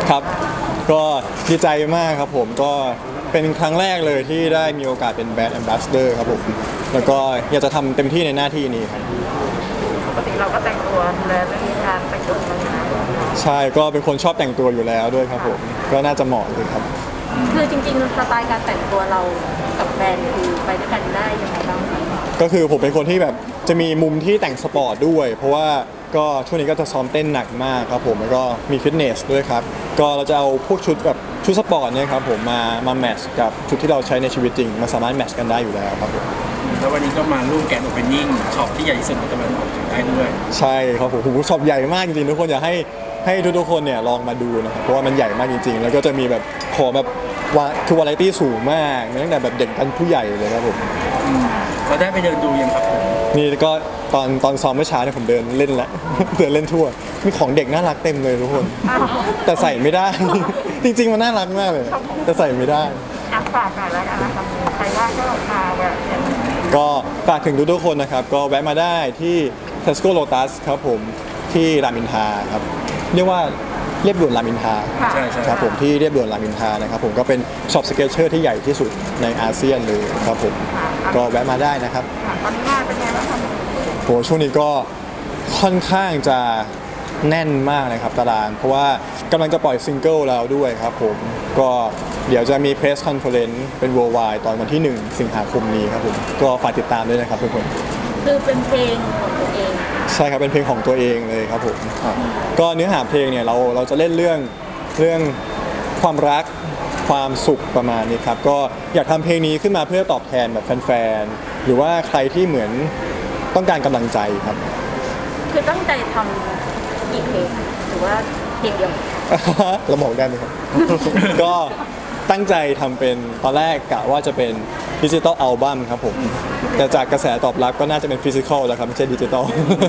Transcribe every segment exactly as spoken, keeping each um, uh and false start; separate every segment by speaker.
Speaker 1: ครับก็ดีใจมากครับผมก็เป็นครั้งแรกเลยที่ได้มีโอกาสเป็นแบรนด์แอมบาสเดอร์ครับผมแล้วก็อยากจะทำเต็มที่ในหน้าที่นี้ครับ
Speaker 2: ปกติเราก็แต่งตัวดูแลเรื่องการแต่งตัวมาอยู่แล้ว
Speaker 1: ใช่ก็เป็นคนชอบแต่งตัวอยู่แล้วด้วยครับผมก็น่าจะเหมาะเลยครับ
Speaker 2: คือจริงๆสไตล์การแต่งตัวเรากับแบรนด์คือไปด้วยกันได้ยังไงบ้างคะ
Speaker 1: ก็คือผมเป็นคนที่แบบจะมีมุมที่แต่งสปอร์ตด้วยเพราะว่าก็ช่วงนี้ก็จะซ้อมเต้นหนักมากครับผมแล้วก็มีฟิตเนสด้วยครับก็เราจะเอาพวกชุดแบบชุดสปอร์ตเนี่ยครับผมมามาแมทช์กับชุดที่เราใช้ในชีวิตจริงมันสามารถแมทช์กันได้อยู่แล้วครับผม
Speaker 3: แล้ววันนี้ก็มาร่วมแกนโอเปนนิ่งช็อปที่ใหญ่ที่สุดในตะวันออกเฉียงใต้ด้วย
Speaker 1: ใช่ครับผมผมช็อปใหญ่มากจริงๆทุกคนอยากให้ให้ทุกๆคนเนี่ยลองมาดูนะครับเพราะว่ามันใหญ่มากจริงๆแล้วก็จะมีแบบของแบบว่าคือวาไรตี้สูงมากตั้งแต่แบบเด็กจนผู้ใหญ่เลยครับผม
Speaker 3: เราได้ไปเดินดูยังครับผม
Speaker 1: นี่ก็ตอนตอนซ้อมเมื่อเช้าเนี่ยผมเดินเล่นละ เดินเล่นทั่วมีของเด็กน่ารักเต็มเลยทุกคนแต่ใส่ไม่ได้ จริงๆมันน่ารักมากเลยแต่ใส่ไม่ได้
Speaker 2: ฝากหน่อยแล้วกันนะครับใครว่าก็มาแวะ
Speaker 1: ก็ฝากถึงทุกๆคนนะครับก็แวะมาได้ที่ Tesco Lotus ครับผมที่รามอินทราครับเรียกว่าเรียบด่วนรามอินทรา
Speaker 3: ใช่ใช่
Speaker 1: ครับผมที่เรียบด่วนรามอินทรานะครับผมก็เป็นช็อปสเก็ตเชอร์ที่ใหญ่ที่สุดในอาเซียนเลยครับผมก็แวะมาได้นะครับ
Speaker 2: ตอนนี้งานเป็นไงบ้างครับ
Speaker 1: โหช่วงนี้ก็ค่อนข้างจะแน่นมากเลยครับตารางเพราะว่ากำลังจะปล่อยซิงเกิลแล้วด้วยครับผมก็เดี๋ยวจะมีเพรสคอนเฟอเรนซ์เป็น worldwide ตอนวันที่หนึ่งสิงหาคมนี้ครับผมก็ฝากติดตามด้วยนะครับทุกคน
Speaker 2: คือเป็นเพลงของตัวเอง
Speaker 1: ใช่ครับเป็นเพลงของตัวเองเลยครับผมก็เนื้อหาเพลงเนี่ยเราเราจะเล่นเรื่องเรื่องความรักความสุขประมาณนี้ครับก็อยากทำเพลงนี้ขึ้นมาเพื่อตอบแทนแบบแฟนๆหรือว่าใครที่เหมือนต้องการกำลังใจครับ
Speaker 2: คือตั้งใจทำกี่เพลงหรือว่าเพลงเดียว
Speaker 1: เราบอกได้ไหมครับ ก็ตั้งใจทำเป็นตอนแรกกะว่าจะเป็นดิจิตอลอัลบั้มครับผมแต่จากกระแสตอบรับก็น่าจะเป็นฟิสิกอลแล้วครับไม่ใช่ดิจิตอล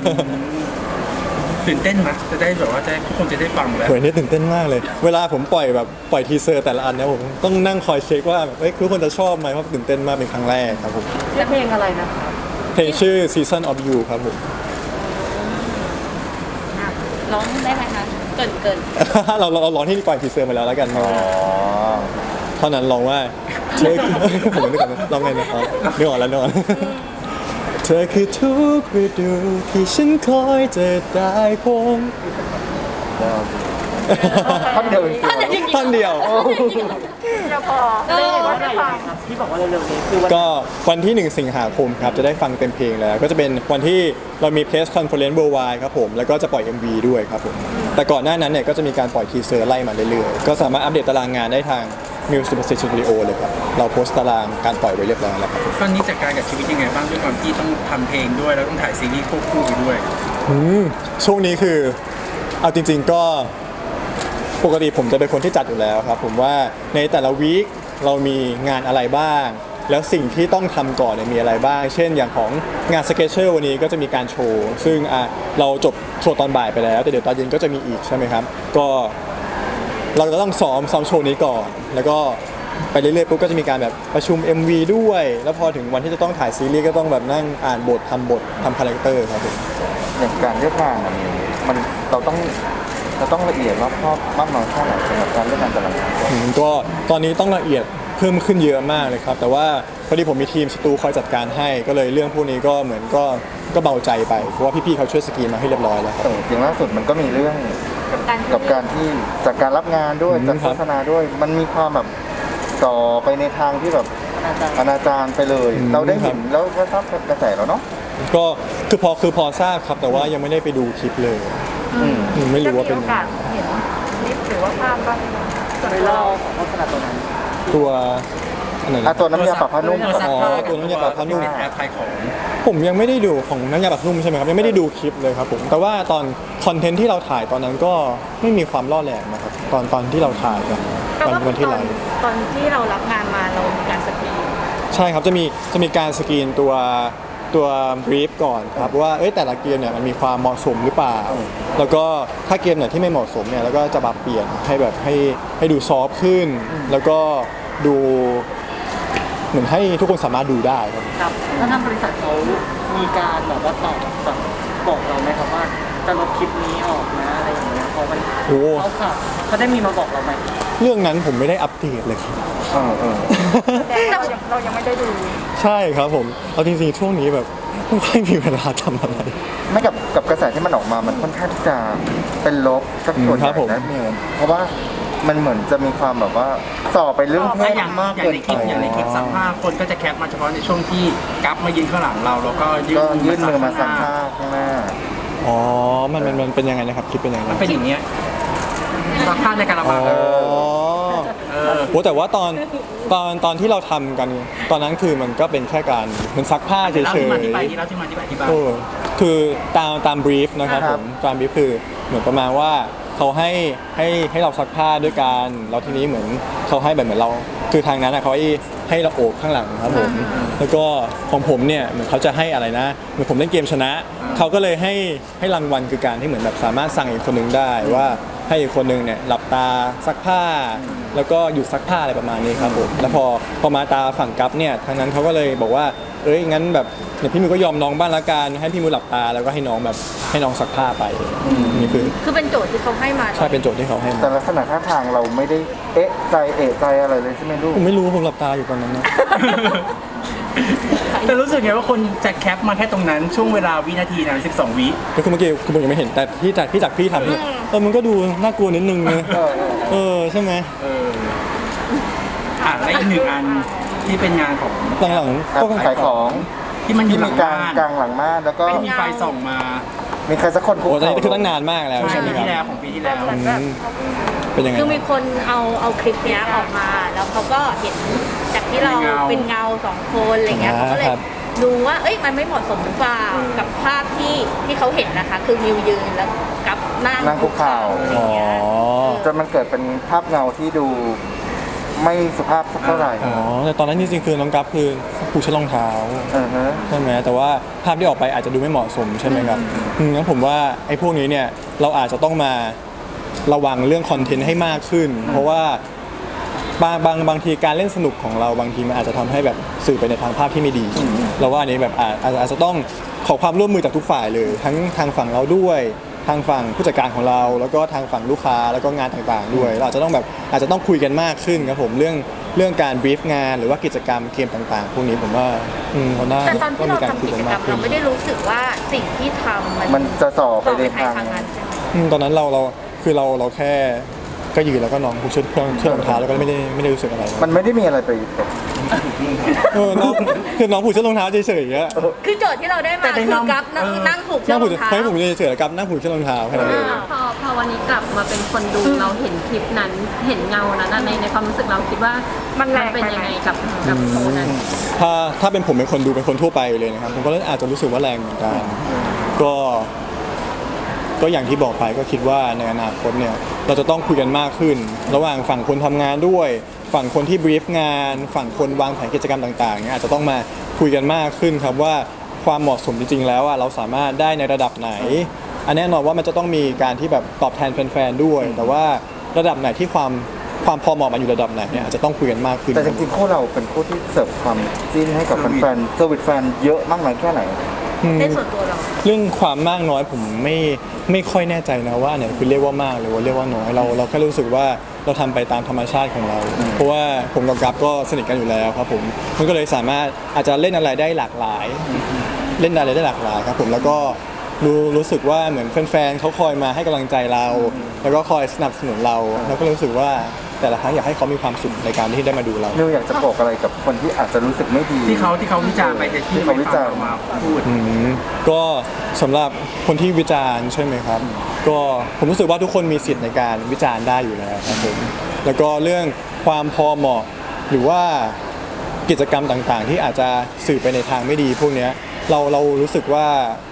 Speaker 3: ตื่นเต้นไหมจะได้แบบว่าจะทุกคนจะได้ฟังแล้ว
Speaker 1: โหนี่ตื่นเต้นมากเลยเวลาผมปล่อยแบบปล่อยทีเซอร์แต่ละอันเนี่ยผมต้องนั่งคอยเช็คว่าเอ้ยทุกคนจะชอบไหมเพราะตื่นเต้นมากเป็นครั้งแรกครับผม
Speaker 2: จะเพลงอะไรนะ
Speaker 1: เพลงชื่อ Season of You ครับผม
Speaker 2: ร้องได้ไหมคะเกินเกิน
Speaker 1: เราเราร้องที่ปล่อยทีเซอร์มาแล้วแล้วกันอ๋อเท่านั้นร้องว่าเธอผมนึกก่อนร้องไงนะอ๋อนึกออกแล้วนึกออกเธอคือทุกฤดูที่ฉันคอยจะได้พบ
Speaker 3: ท่อนเดียว
Speaker 1: ท่อนเดียว
Speaker 2: จะพอได้เห็นว่าได้ฟัง
Speaker 3: ที่บอกว่าเร็วๆนี้คือ
Speaker 1: ก็วันที่หนึ่งสิงหาคมครับจะได้ฟังเต็มเพลงแล้วก็จะเป็นวันที่เรามีเพรสคอนเฟอเรนซ์ worldwide ครับผมแล้วก็จะปล่อย เอ็ม วี ด้วยครับผมแต่ก่อนหน้านั้นเนี่ยก็จะมีการปล่อยทีเซอร์ไล่มาเรื่อยๆก็สามารถอัปเดตตารางงานได้ทาง Music Studio เลยครับเราโพสต์ตารางการปล่อยไว้เรียบร้อยแล้วครับ
Speaker 3: ตอนนี้จัดการกับชีวิตยังไงบ้างด้วยความที่ต้องทำเพลงด้วยแล้วต้องถ่ายซีรีส์ควบคู่ไปด้วย
Speaker 1: อืมช่วงนี้คือเอาจริงๆก็ปกติผมจะเป็นคนที่จัดอยู่แล้วครับผมว่าในแต่ละวีคเรามีงานอะไรบ้างแล้วสิ่งที่ต้องทำก่อนเนี่ยมีอะไรบ้างเช่นอย่างของงานสเก็ตเชอร์วันนี้ก็จะมีการโชว์ซึ่งอ่ะเราจบโชว์ตอนบ่ายไปแล้วแต่เดี๋ยวตอนเย็นก็จะมีอีกใช่ไหมครับก็เราจะต้องซ้อมซ้อมโชว์นี้ก่อนแล้วก็ไปเรื่อยๆปุ๊บก็จะมีการแบบประชุม เอ็ม วี ด้วยแล้วพอถึงวันที่จะต้องถ่ายซีรีส์ก็ต้องแบบนั่งอ่านบททำบททำคาแรคเตอร์ครับผม
Speaker 4: อย่างการเลือกงานมันมันเราต้องเราต้องละเอียดรอบคอบมากน้อยแค่ไหนสำหรับการเลือกงานแต่ละงาน
Speaker 1: ก็ตอนนี้ต้องละเอียดเพิ่มขึ้นเยอะมากเลยครับแต่ว่าพอดีผมมีทีมสตูคอยจัดการให้ก็เลยเรื่องพวกนี้ก็เหมือนก็ก็เบาใจไปเพราะว่าพี่ๆเขาช่วยสกรีนมาให้เรียบร้อยแล้วครับ
Speaker 4: อย่างล่าสุดมันก็มีเรื่องกับการที่จากการรับงานด้วยจากโฆษณาด้วยมันมีความแบบต่อไปในทางที่แบบอนาจารไปเลยเราได้เห็นแล้วก็ทราบกระแสแล้วเนาะ
Speaker 1: ก็คือพอคือพอทราบครับแต่ว่ายังไม่ได้ไปดูคลิปเลยไม่รู้ว่าเป็น
Speaker 2: เห็นคลิปหรือว่าภาพบ้าง
Speaker 3: ไปเล่าของโฆษณาตัวนั้น
Speaker 1: ตัวอะไรนะ
Speaker 4: ตัวน้ำยาปรับผ้านุ่ม
Speaker 1: อ๋อตัวน้ำยาปรับผ้านุ่ม
Speaker 3: แอปขายของ
Speaker 1: ผมยังไม่ได้ดูของน้ำยาปรับนุ่มใช่ไหมครับยังไม่ได้ดูคลิปเลยครับผมแต่ว่าตอนคอนเทนต์ที่เราถ่ายตอนนั้นก็ไม่มีความล่อแหลมนะครับตอนตอนที่เราถ่ายกันตอนวันที่ไลฟ์
Speaker 2: ตอนที่เรารับงานมาเรามีการสกรีน
Speaker 1: ใช่ครับจะมีจะมีการสกรีนตัวตัวบรีฟก่อนครับว่าเอ้ยแต่ละเกมเนี่ยมันมีความเหมาะสมหรือเปล่าแล้วก็ถ้าเกมไหนที่ไม่เหมาะสมเนี่ยแล้วก็จะปรับเปลี่ยนให้แบบให้ให้ดูซอฟต์ขึ้นแล้วก็ดูเหมือนให้ทุกคนสามารถดูได้ครับ
Speaker 3: ครับถ้าทางบริษัทเขามีการแบบว่าตอบแบบบอกเราไหมครับว่าจะลบคลิปนี้ออกนะอะไรอย่างเงี้ยพอ
Speaker 5: เขามัน
Speaker 1: โอ้
Speaker 5: เขาข่าวเขาได้มีมาบอกเราไหม
Speaker 1: เรื่องนั้นผมไม่ได้อัปเดตเลยครับ
Speaker 4: เออเออ
Speaker 2: แต่เรายังเรายังไม่ได้ดู
Speaker 1: ใช่ครับผมเอาจริงๆช่วงนี้แบบไม่ค่อยมีเวลาทำอะไร
Speaker 4: ไม่กับกับกระแสที่มันออกมามันค่อนข้างที่จะเป็นลบสักส่วนให
Speaker 1: ครั
Speaker 4: ญ่
Speaker 1: บผม
Speaker 4: นะมิวเพราะว่ามันเหมือนจะมีความแบบว่าส่อไปเรื่องเพ
Speaker 3: ถ้า
Speaker 4: ศ
Speaker 3: อย่าง
Speaker 4: มาก
Speaker 3: อย่าง
Speaker 4: เกิน
Speaker 3: ในค
Speaker 4: ไป
Speaker 3: ลิปอย่างในคลิปซักผ้าคนก็จะแคปมาเฉพาะในช่วงที่กัฟมายืนข้างหลังเราแล้วก็ยื่
Speaker 4: ก็
Speaker 3: น
Speaker 4: ยื่นมือมาซัก
Speaker 3: ผ้า
Speaker 4: ผ้าข้างหน้า
Speaker 1: อ๋อมันมันมันเป็นยังไงนะครับคลิปเป็นยังไง
Speaker 3: มันเป็นอย่างเงี้ยซักผ้าในกระ
Speaker 1: อ๋
Speaker 3: บัง
Speaker 1: อ
Speaker 3: เออ
Speaker 1: โหแต่ว่าตอนตอนตอนที่เราทำกัน ตอนนั้นคือมันก็เป็นแค่การเหมันซักผ้าเฉย
Speaker 3: เล่าที่มาที่ไป
Speaker 1: ๆ
Speaker 3: ที่เล่าที่มาที่ไปที่บ้าน
Speaker 1: โอ้คือตามตามบรีฟนะครับ
Speaker 4: ค
Speaker 1: ผ
Speaker 4: รับ
Speaker 1: มตามบรีฟคือเหมือนประมาณว่าเขาให้ให้ให้เราซักผ้าด้วยกันแล้วทีนี้เหมือนเขาให้แบบเหมือนเรา คือทางนั้นอะเขาให้ให้เราโอบข้างหลังครับผมแล้วก็ของผมเนี่ยเหมือนเขาจะให้อะไรนะเหมือนผมเล่นเกมชนะเขาก็เลยให้ให้รางวัลคือการที่เหมือนแบบสามารถสั่งอีกคนนึงได้ว่าให้อีกคนนึงเนี่ยหลับตาซักผ้า แล้วก็หยุดซักผ้าอะไรประมาณนี้ครับผมแล้วพอพอมาตาฝั่งกัฟเนี่ยทางนั้นเขาก็เลยบอกว่าเอ้ยงั้นแบบเดี๋ยวพี่มิวก็ยอมน้องบ้างละกันให้พี่มิวหลับตาแล้วก็ให้น้องแบบให้น้องซักผ้าไปนี่คือ
Speaker 2: คือเป็นโจทย์ที่เขาให้มา
Speaker 1: ใช่เป็นโจทย์ที่เขาให้
Speaker 4: แต่
Speaker 1: มา
Speaker 4: ลักษณะท่าทางเราไม่ได้เอ๊ะใจเอะใจอะไรเลยใช่ไหมลูก
Speaker 1: ผมไม่รู้ผมหลับตาอยู่ตอนนั้นนะ
Speaker 3: แต่รู้สึกไงว่าคนจะแคปมาแค่ตรงนั้นช่วงเวลาวินาทีนั้นสิบสองวิ
Speaker 1: ก็คือเมื่อกี้คือผมยังไม่เห็นแต่ที่จากที่จากพี่ทำเนี่ยเออมันก็ดูน่ากลัวนิดนึงนะ
Speaker 4: เออเออ
Speaker 1: เออใช่ไหม
Speaker 3: เอออ่ะและอีกหนึ่งอันที่เป็นงานของ
Speaker 1: หลัง
Speaker 4: อ่ะ
Speaker 1: ๆก็
Speaker 4: ขายของ
Speaker 3: ที่มันอ
Speaker 4: ที่
Speaker 3: ยู่หลั
Speaker 4: มี
Speaker 3: ง
Speaker 4: กลาง
Speaker 3: บ้าน
Speaker 4: กลางหลังม่านแล้วก็
Speaker 3: ไม่มีไฟส่องมา
Speaker 4: มีใครสักคนคุก
Speaker 1: โอ้ตอน
Speaker 4: เข่า
Speaker 1: นี้คือตั้งนานมากแล้วใช่ไหม
Speaker 3: ปี
Speaker 1: ค
Speaker 3: ที่แล้
Speaker 1: รับ
Speaker 3: วของปีที่แล้ว
Speaker 2: เหมือนแบบ
Speaker 1: เป็นยังไง
Speaker 2: คือมีคนเอาเอาคลิปเนี้ยออกมา แล้วเขาก็เห็นจากที่เราเป็นเงาสองคนอะไรเงี้ยเขาก็เลยดูว่าเอ้ยมันไม่เหมาะสมหรือเปล่ากับภาพที่ที่เขาเห็นนะคะ คือมิวยืนแล้วกับนั่ง
Speaker 4: นั่งคุกเข่า
Speaker 2: อะไร
Speaker 1: อ๋อ
Speaker 2: เงี้ย
Speaker 4: จนมันเกิดเป็นภาพเงาที่ดูไม่สุภาพสักเท่าไหร่
Speaker 1: อ๋อแต่ตอนนั้นจริงๆคือน้องกัฟคือผูกเชือกรองเท้า
Speaker 4: เออฮะ
Speaker 1: ใช่ไหมแต่ว่าภาพที่ออกไปอาจจะดูไม่เหมาะสมใช่ไหมครับอืมงั้นผมว่าไอ้พวกนี้เนี่ยเราอาจจะต้องมาระวังเรื่องคอนเทนต์ให้มากขึ้น เพราะว่าบางบางบางทีการเล่นสนุกของเราบางทีมันอาจจะทำให้แบบสื่อไปในทางภาพที่ไม่ดีเราว่าอันนี้แบบอาจอาจอาจจะต้องขอความร่วมมือจากทุกฝ่ายเลย ทั้งทางฝั่งเราด้วยทางฝั่งผู้จัดการของเรา แล้วก็ทางฝั่งลูกค้าแล้วก็งานต่างๆ ด้วยเราอาจจะต้องแบบอาจจะต้องคุยกันมากขึ้นครับผมเรื่องเรื่องการบรีฟงานหรือว่ากิจกรรมเกมต่างๆ พวกนี้ผมว่าอืมเขาน่า
Speaker 2: แต่ตอนที่เรา
Speaker 1: มีการ
Speaker 2: ทำ
Speaker 1: คุย
Speaker 2: กิ
Speaker 1: กั
Speaker 2: จ
Speaker 1: น
Speaker 2: กร
Speaker 1: มาร ก
Speaker 2: ม
Speaker 1: ขึ้
Speaker 2: เรา
Speaker 1: น
Speaker 2: ไม่ได้รู้สึกว่าสิ่งที่ทำมัน
Speaker 4: มันจะส่อไป
Speaker 2: ต่อ
Speaker 4: ใน
Speaker 2: ไป
Speaker 4: ทาง
Speaker 2: ทางนั้นใช่ไหม
Speaker 1: อืมตอนนั้นเราเราคือเราเราแค่ก็ยืนแล้วก็น้องผูกเชือกเชือกเชือกรองเท้าแล้วก็ไม่ได้ไม่ได้รู้สึกอะไร
Speaker 4: มันไม่ได้มีอะไรไปแบบ
Speaker 1: เออน้องคือน้องผูกเชือกรองเท้าเฉยๆอย่างเงี้ย
Speaker 2: คือโจทย์ที่เราได้มาคือกับนั่งนั่งผูกเชื
Speaker 1: นั่
Speaker 2: อง กร
Speaker 1: ผู
Speaker 2: อก งเท้า
Speaker 1: ให้ผมเฉยๆแล้วกับนั่งผูกเชือกรองเท้าแค่นั้นเอง
Speaker 6: พอพอวันนี้กลับมาเป็นคนดูเราเห็นคลิปนั้นเห็นเงานั้นอะในในความรู้สึกเราคิดว่ามันเป็นยังไงกับกับโซนนั้น
Speaker 1: ถ้าถ้าเป็นผมเป็นคนดูเป็นคนทั่วไปเลยนะครับผมก็อาจจะรู้สึกว่าแรงเหมือนกันก็ก็อย่างที่บอกไปก็คิดว่าในอนาคตเนี่ยเราจะต้องคุยกันมากขึ้น ระหว่างฝั่งคนทำงานด้วย ฝั่งคนที่บรีฟงาน ฝั่งคนวางแผนกิจกรรมต่างๆเนี่ยอาจจะต้องมาคุยกันมากขึ้นครับว่าความเหมาะสมจริงๆแล้วอะเราสามารถได้ในระดับไหน อันแน่นอนว่ามันจะต้องมีการที่แบบตอบแทนแฟนๆด้วย แต่ว่าระดับไหนที่ความความพอเหมาะมันอยู่ระดับไหนเนี่ยอาจจะต้องคุยกันมากขึ้น
Speaker 4: แต่จริงๆคู่เราเป็นคู่ที่เสิร์ฟความจิ้นให้กับแฟนๆเซอร์วิสแฟนเยอะมากน้อยแค่ไหน
Speaker 1: อืม
Speaker 2: ในส่วนตัวเรา
Speaker 1: เรื่องความมากน้อยผมไม่ไม่ค่อยแน่ใจนะว่าอันไหนคือเรียกว่ามากหรือว่าเรียกว่าน้อยเราเราแค่รู้สึกว่าเราทำไปตามธรรมชาติของเรา เพราะว่าผมกับกัฟก็สนิทกันอยู่แล้วครับผมมันก็เลยสามารถอาจจะเล่นอะไรได้หลากหลาย เล่นอะไรได้หลากหลายครับผมแล้วก็รู้รู้สึกว่าเหมือนแฟนๆเขาคอยมาให้กำลังใจเรา แล้วก็คอยสนับสนุนเราเราก็รู้สึกว่าแต่ละครั้งอยากให้เขามีความสุขในการที่ได้มาดูเรา
Speaker 4: นิวอยากจะบอกอะไรกับคนที่อาจจะรู้สึกไม่ดี
Speaker 3: ที่เขาที่เขาวิจารณ์ไปแต่ที่
Speaker 4: ที่เขาวิจารณ์
Speaker 3: ไม่ฟังเมาพูด
Speaker 1: อืมก็สำหรับคนที่วิจารณ์ใช่ไหมครับ ก็ผมรู้สึกว่าทุกคนมีสิทธิ์ในการวิจารณ์ได้อยู่แล้วครับผมแล้วก็เรื่องความพอเหมาะหรือว่ากิจกรรมต่างๆ ที่อาจจะสื่อไปในทางไม่ดีพวกเนี้ยเราเรารู้สึกว่า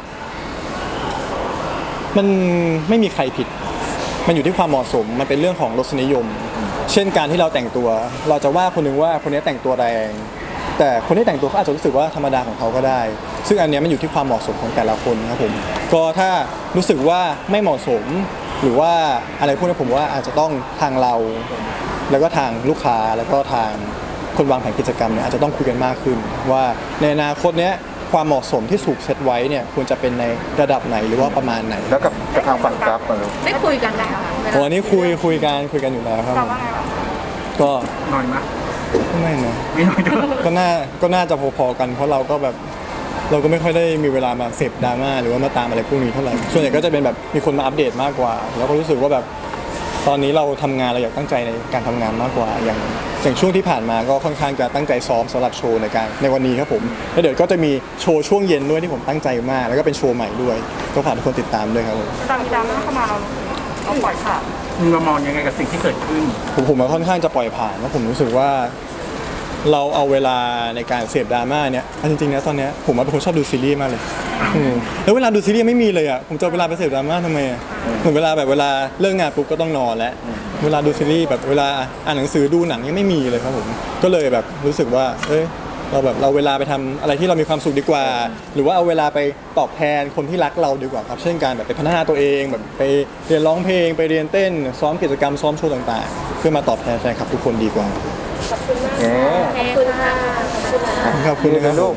Speaker 1: มันไม่มีใครผิด มันอยู่ที่ความเหมาะสมมันเป็นเรื่องของรสนิยม เช่นการที่เราแต่งตัว เราจะว่าคนหนึงว่าคนนี้แต่งตัวแรง แต่คนที่แต่งตัวเขาอาจจะรู้สึกว่าธรรมดาของเขาก็ได้ ซึ่งอันเนี้ยมันอยู่ที่ความเหมาะสมของแต่ละคนครับผมก็ถ้ารู้สึกว่าไม่เหมาะสม หรือว่าอะไรพวกนี้ผมว่าอาจจะต้องทางเรา แล้วก็ทางลูกค้าแล้วก็ทางคนวางแผนกิจกรรมเนี่ยอาจจะต้องคุยกันมากขึ้น ว่าในอนาคตเนี้ยความเหมาะสมที่ถูกเซตไว้เนี่ยควรจะเป็นในระดับไหนหรือว่าประมาณไหน
Speaker 4: แล้วกับกับทางฝั่งกราฟมาลูก
Speaker 2: ได้คุยกันไหมคะเวลา
Speaker 1: โอ้อันนี้คุยคุยกันคุยกันอยู่แล้วครับผมก็
Speaker 3: หน่อยมะ
Speaker 1: ไม่นะ
Speaker 3: ไม่หน่อยด้วย
Speaker 1: ก็น่าก็น่าจะพอๆกัน เพราะเราก็แบบเราก็ไม่ค่อยได้มีเวลามาเสพดราม่าหรือว่ามาตามอะไรพวกนี้เท่าไหร่ส่วนใหญ่ก็จะเป็นแบบมีคนมาอัปเดตมากกว่า แล้วก็รู้สึกว่าแบบตอนนี้เราทำงานเราอยากตั้งใจในการทำงานมากกว่าอย่างอย่างช่วงที่ผ่านมาก็ค่อนข้างจะตั้งใจซ้อมสำหรับโชว์ในการในวันนี้ครับผมแล้วเดี๋ยวก็จะมีโชว์ช่วงเย็นด้วยที่ผมตั้งใจมากแล้วก็เป็นโชว์ใหม่ด้วยก็ฝากทุกคนติดตามด้วยครับผม
Speaker 5: ตอนมีดราม่าเข้ามาเราเราปล่อยผ่าน
Speaker 3: มึงมามองยังไงกับสิ่งที่เกิดขึ้น
Speaker 1: ผมผมค่อนข้างจะปล่อยผ่านแล้วผมรู้สึกว่าเราเอาเวลาในการเสพดราม่าเนี่ยเอาจริงๆนะตอนเนี้ยผมว่าเป็นคนชอบดูซีรีส์มากเลยอืมแล้วเวลาดูซีรีส์ไม่มีเลยอ่ะผมจะเอาเวลาไปเสพดราม่าทำไมอ่ะเหมือนเวลาแบบเวลาเลิกงานปุ๊บก็ต้องนอนแล้วเวลาดูซีรีส์แบบเวลาอ่านหนังสือดูหนังยังไม่มีเลยครับผมก็เลยแบบรู้สึกว่าเอ้ยเราแบบเราเวลาไปทำอะไรที่เรามีความสุขดีกว่า หรือว่าเอาเวลาไปตอบแทนคนที่รักเราดีกว่าครับเช่นการแบบไปพัฒนาตัวเองแบบไปเรียนร้องเพลงไปเรียนเต้นซ้อมกิจกรรมซ้อมโชว์ต่างๆ เพื่อมาตอบแทนแฟนคลับทุกคนดีกว่า
Speaker 4: เอ๊ะ
Speaker 2: ขอบคุณค่ะ
Speaker 1: ขอบคุณนะครับ
Speaker 4: ลูก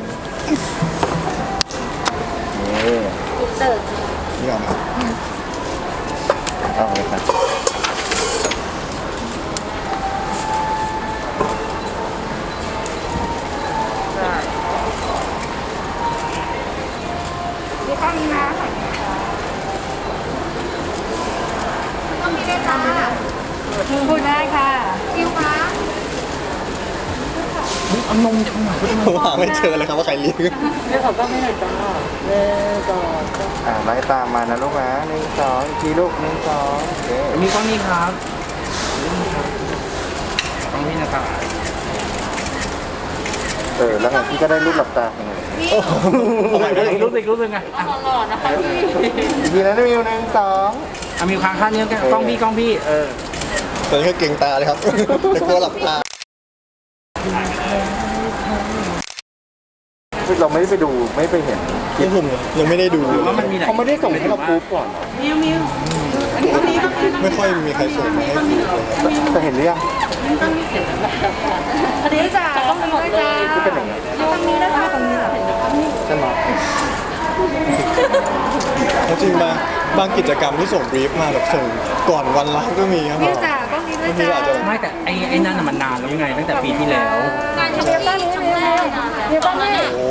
Speaker 4: นี่
Speaker 2: เติร์
Speaker 1: นี่ก่อนครับ
Speaker 4: เอาเลยครับ
Speaker 2: มีข้อนี้นะต้องมีได้จ้าพูดได้ค่ะคิวคะ
Speaker 3: เอานมชงหน่อยก็ได้
Speaker 1: ผมหาไม่เจอเลยครับว่าใครเรียก
Speaker 5: เรื่องของก็ไม่หน่อยจ้าเรื่องก่อน
Speaker 4: อ่าไล่ตามมานะลูกนะหนึ่งสองอีกทีลูกหนึ่งสองโอเค
Speaker 3: มีกล้องนี้ครับนี่ครับกล้องพี่นะครับ
Speaker 4: เออแล้วไงพี่ก็ได้รูปหลับตาไง
Speaker 3: เอาใหม่อีกรูปหนึ่งรูปหนึ่งอ่ะอ่ะ
Speaker 2: หล่อๆนะคะพี่
Speaker 4: อีกทีนะมิวหนึ่งสอง
Speaker 3: เอามีค้างข้างเนี้ยกันกล้องพี่กล้องพี่เออ
Speaker 1: ตอนนี้ก็เก่งตาเลยครับ แต่กลัวหลับตา
Speaker 4: เราไม่ได้ไปดูไม่ไปเห็น
Speaker 1: ที่ผมยังไม่ได้ดู
Speaker 3: หรือว่ามันมีหลาย
Speaker 4: เขาไม่ได้ส่งให้เราปุ๊บก่อนเหรอ
Speaker 1: ไม่ค่อยมีใครส่งมาให้ดูเลยครับ
Speaker 4: แต่เห็นหรือยัง
Speaker 2: อันนี้จ้าต้องหมดเลย
Speaker 4: ที่เป็นอย่างนี้
Speaker 2: ตรงนี้นะคะตรงนี้
Speaker 4: ใช่ไหม
Speaker 1: จริงๆบางบางกิจกรรมที่ส่งบรีฟมาแบบส่งก่อนวันไลฟ์ก็มีครับ
Speaker 2: นี่จ้าต้องนี้ด้วย
Speaker 1: บางที
Speaker 2: จ้า
Speaker 1: อาจจะ
Speaker 3: ไม่แต่ไอ้ไอ้นั่นน่ะมันนานแล้วไงตั้งแต่ปีที่แล้ว
Speaker 2: งานครั้งนี้ครั้งแรกเดี๋ยวต้องให้